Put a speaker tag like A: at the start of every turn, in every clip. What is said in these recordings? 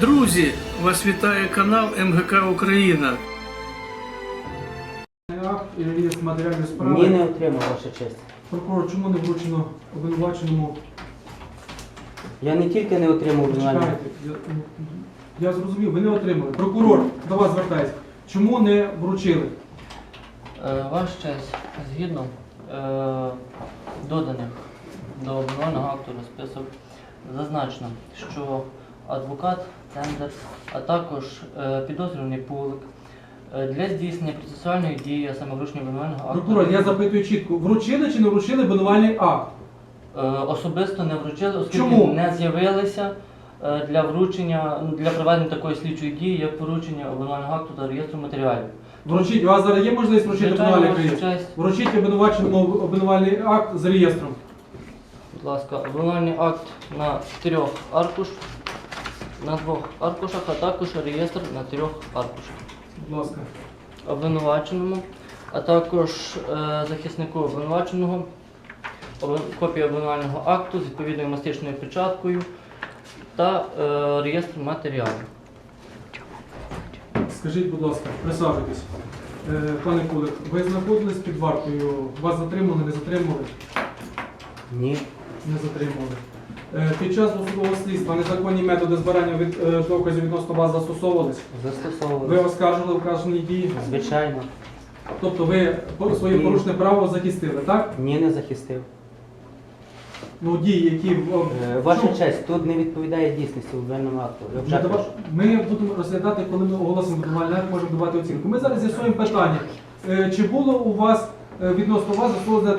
A: Друзі, вас вітає канал МГК Україна.
B: Акт і реєстр матеріальної справи.
C: Ні, не отримав, ваша честь.
B: Прокурор, чому не вручено обвинуваченому?
C: Я не тільки не отримав обвинувального.
B: Чекайте, я зрозумів, ви не отримали. Прокурор, до вас звертаюся. Чому не вручили?
D: Ваша честь, згідно доданих до обвинувального акту розписок, зазначено, що адвокат Цендер, а також підозрюваний Пулик для здійснення процесуальної дії, а саме вручення обвинувального акту.
B: Прокурор, я запитую чітко, вручили чи не вручили обвинувальний акт?
D: Особисто не вручили, оскільки
B: Чому?
D: не з'явилися для вручення, для проведення такої слідчої дії, як поручення обвинувального акту та реєстру матеріалів.
B: Вручіть, у вас зараз є можливість вручити
D: Звичайно,
B: обвинувальний
D: ваша
B: реєстр?
D: честь.
B: Вручіть обвинуваченому обвинувальний акт з реєстром.
D: Будь ласка, обвинувальний акт на 2 аркушах, а також реєстр на 3 аркушах.
B: Будь ласка.
D: Обвинуваченому, а також захиснику обвинуваченого, копія обвинувального акту з відповідною мастичною печаткою та реєстр матеріалів.
B: Скажіть, будь ласка, присаджуйтесь. Пане Кулик, ви знаходились під вартою? Вас затримали, не затримали?
C: Ні.
B: Не затримали. Під час досудового слідства незаконні методи збирання доказів відносно вас застосовувались? Ви
C: Застосовували.
B: оскаржили вказані дії?
C: Звичайно.
B: Тобто ви своє
C: Ні.
B: порушне право захистили, так?
C: Ні, не захистив.
B: Ну, дії, які...
C: Ваша
B: Чому?
C: честь, тут не відповідає дійсності обвинувальному акту. Я вже кажу.
B: Ми будемо розглядати, коли ми оголосимо обвинувальний акт, можемо давати оцінку. Ми зараз з'ясуємо питання. Чи було у вас відносно вас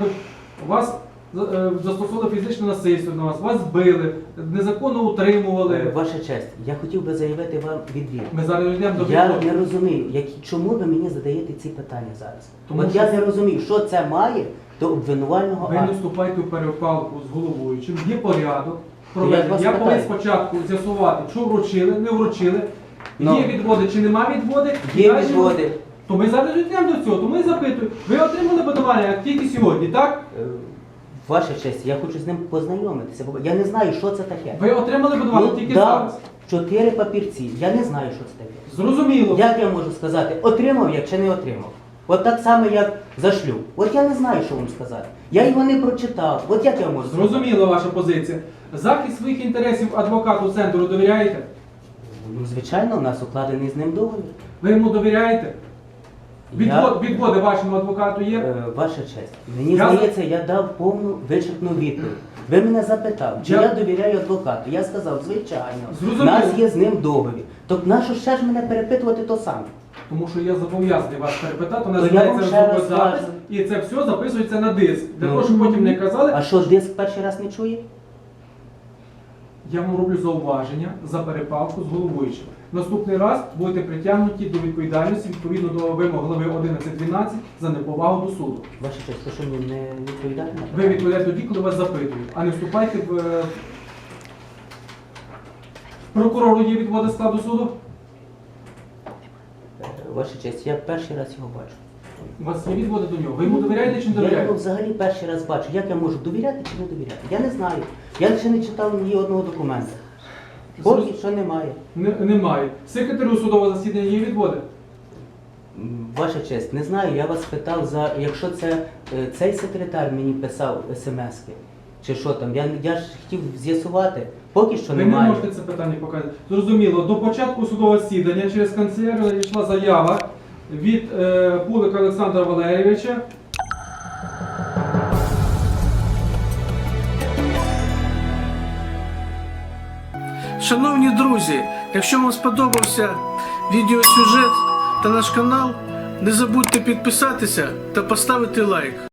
B: застосовано фізичне насильство на вас, вас били, незаконно утримували?
C: Ваша честь, я хотів би заявити вам відвід.
B: Ми зараз йдемо до
C: Я
B: відповіді.
C: не розумію, чому ви мені задаєте ці питання зараз.
B: Тому
C: От
B: що-
C: я не розумію, що це має до обвинувального
B: Ви не
C: акту.
B: вступайте в перепалку з головуючим. Є порядок
C: Я
B: проведення.
C: вас
B: Я повинен
C: питаю.
B: спочатку з'ясувати, що вручили, не вручили,
C: Ну.
B: є відводи чи нема відводи.
C: Є
B: Далі-
C: відводи.
B: То ми зараз йдемо до цього, то ми запитуємо. Ви отримали обвинувальний акт тільки сьогодні, так?
C: Ваша честь, я хочу з ним познайомитися. Бо я не знаю, що це таке.
B: Ви отримали обвинувальний
C: Ну,
B: тільки
C: да,
B: зараз.
C: 4 папірці. Я не знаю, що це таке.
B: Зрозуміло.
C: Як я можу сказати, отримав я чи не отримав? От так само, як за шлюб. От я не знаю, що вам сказати. Я його не прочитав. От як я можу сказати?
B: Зрозуміла ваша позиція. Захист своїх інтересів адвокату центру довіряєте?
C: Ну, звичайно, у нас укладений з ним договір.
B: Ви йому довіряєте? Відводи вашому адвокату є?
C: Ваша честь, мені
B: Я за-
C: здається, я дав повну вичерпну відповідь. Ви мене запитав, чи
B: Я-
C: я довіряю адвокату. Я сказав, звичайно.
B: Зрозуміло.
C: У нас є з ним договір. Тобто нащо ще ж мене перепитувати то саме?
B: Тому що я зобов'язаний вас перепитати, у нас
C: То я
B: знається
C: вам ще раз
B: звукозапис,
C: скажу.
B: і це все записується на диск. Для
C: Ну.
B: того, щоб потім не казали,
C: А що, диск перший раз не чує?
B: я вам роблю зауваження за перепалку з головуючим. Наступний раз будете притягнуті до відповідальності відповідно до вимог глави 11.12 за неповагу до суду.
C: Ваша честь, то що мені не відповідає на
B: Ви
C: питання?
B: відповідаєте тоді, коли вас запитують, а не вступайте в... Прокурору є відводи складу суду?
C: Ваша честь, я перший раз його бачу.
B: У вас є відводи до нього. Ви йому довіряєте чи не
C: Я його
B: довіряєте?
C: взагалі перший раз бачу. Як я можу довіряти чи не довіряти? Я не знаю. Я ще не читав ні одного документа. Поки що немає.
B: Немає. Секретарю судового засідання є відводи?
C: Ваша честь, не знаю, я вас питав за, якщо це цей секретар мені писав смски, чи що там, я ж хотів з'ясувати, поки що
B: Ви не
C: немає.
B: можете це питання показати. Зрозуміло, до початку судового засідання через канцелярію йшла заява від Пулика Олександра Валерійовича.
A: Шановні друзі, якщо вам сподобався відеосюжет та наш канал, не забудьте підписатися та поставити лайк.